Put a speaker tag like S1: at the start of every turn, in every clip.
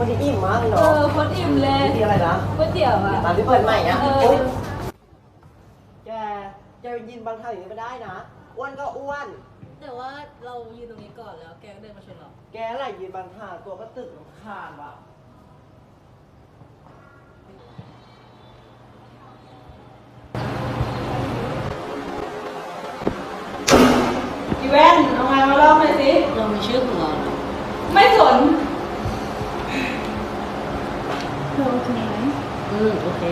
S1: วันนี้อิ่มมากเลยเนาะ
S2: คนอิ่มเลย
S1: ที่อะไรนะ
S2: ก๋วยเตี๋ยวอะ
S1: ร้านที่เปิดใหม่เนี่ยแกยืนบางท่าอย่างนี้ไม่ได้นะอ้วนก็อ้วน
S2: แต่ว่าเรายืนตรงนี้ก่อนแล้วแกก็เดินมาชนเรา
S1: แกอะไรยืนบางท่าตัวก็ตึกคานว่ะ
S2: อีแวนเอาไงมาลองหน่อยสิเรามีชื่อของเราไม่สนเธอโอเคไหมโอเค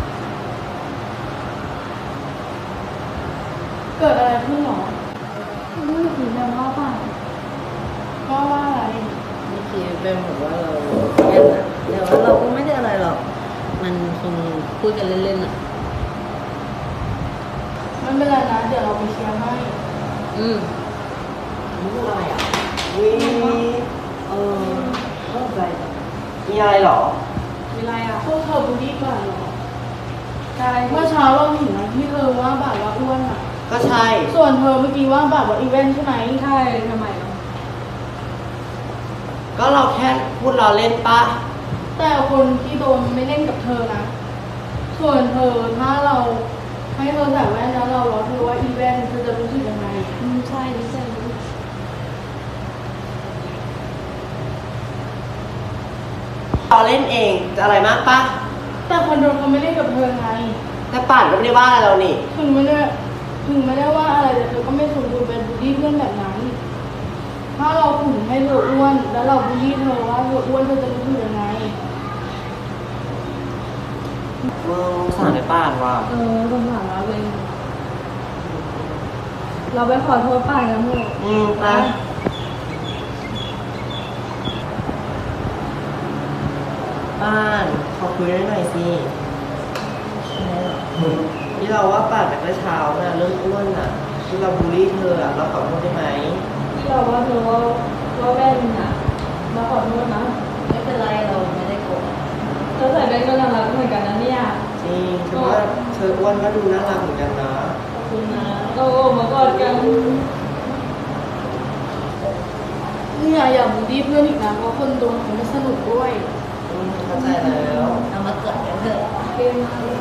S2: เกิดอะไรขึ้นหรอไม่ถึงแล้วว่าป่ะว่าอะไรเมื่อกี้เป็นบอกว่าเราเล่นอะแต่ว่าเราก็ไม่ได้อะไรหรอกมันคงพูดกันเล่นๆอะไม่เป็นไรนะเดี๋ยวเราไปเคลียร์ให้
S1: นี่อะไรอ่ะเข้าใจมีอะไรหรอ
S2: มีอะไรอ่ะพวกเธอบูลลี่กันหรอใช่เมื่อเช้าเราเห็นนะที่เธอว่าแบบว่าอ้วนอ่ะ
S1: ก็ใช่
S2: ส่วนเธอเมื่อกี้ว่าแบบว่าอีเวนต์ใช่ไหมใช่ทำไมอ่ะ
S1: ก็เราแค่พูดเราเล่นปะ
S2: แต่คนที่โดนไม่เล่นกับเธอนะส่วนเธอถ้าเราให้เธอใส่แว่นแล้วเราล้อเธอว่าอีเวนต์เธอจะรู้สึกยังไงใช่
S1: เราเล่นเองจะอะไรมากปะ
S2: แต่คนโดนเขาไม่เล่นกับเธอไง
S1: แต่ป่านก็ไม่ได้ว่าอะไรเรานี่
S2: ถึงไม่ได้ว่าอะไรแต่เธอก็ไม่สมควรเป็นบูลลี่เพื่อนแบบนั้นถ้าเราขุนให้เธออ้วนแล้วเราบูลลี่เธอว่าเธออ้วนเธอจะรู้สึกยังไง
S1: สงสารไอ้ป่านว่ะ
S2: สงสารเราเลยเราไปขอโทษป่านกันเถอะ
S1: ไปป่านขอคุยได้หน่อยสิที่เราว่าป่านแต่เช้าน่ะเรื่องอ้วนน่ะที่เราบูลลี่เธอเราขอโทษได้ไหม
S2: ที่เราว่าเธอว่าแว่นน่ะเราขอโทษนะไม่เป็นไรเราไม่ได้โกรธเธอใส่แว่นก็น่ารักเหมือนกันนะเนี่ย
S1: จริงฉันว่าเธออ้วนก็ดูน่ารักเหมือนกันนะ
S2: ขอบคุณนะเรามากอดกันเนี่ยอย่าบูลลี่เพื่อนอีกนะเพราะคนโดนเขาไม่สนุกด้วย
S1: เข้าใจแล้ว
S2: เอามากอดกันเถอะเกมมาเลย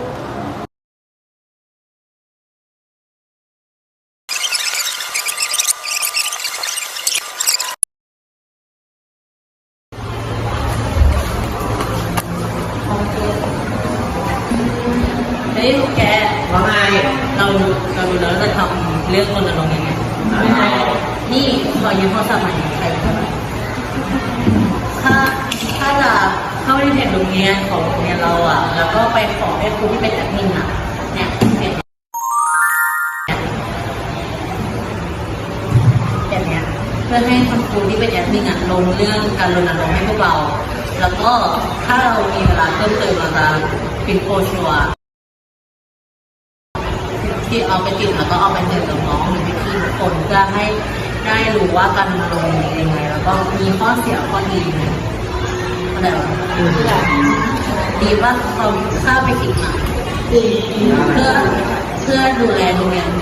S2: เฮ้ยแก
S1: ว่าไง
S2: เราดูแล้วจะทำเรื่องคนละลงยังไงนี่ขอยืมโทรศัพท์ใหม่ใครเข้ามาถ้าจะเข้าในเพจโรงเรียนของโรงเรียนเราอ่ะแล้วก็ไปขอให้ครูที่เป็นแอดมินอ่ะเนี่ยแบบเนี้ยเพื่อให้คุณครูที่เป็นแอดมินอ่ะลงเรื่องการรณรงค์ให้พวกเราแล้วก็ถ้าเรามีเวลาเพิ่มเติมเราจะเป็นโคชัวที่เอาไปติดแล้วก็เอาไปเตือนน้องๆหรือพี่ๆทุกคนเพื่อให้ได้รู้ว่าการรณรงค์ยังไงแล้วก็มีข้อเสียข้อดีไหมอะไรวะดีว่าเราข้าไปติดมาเพื่อดูแลโรงเรียน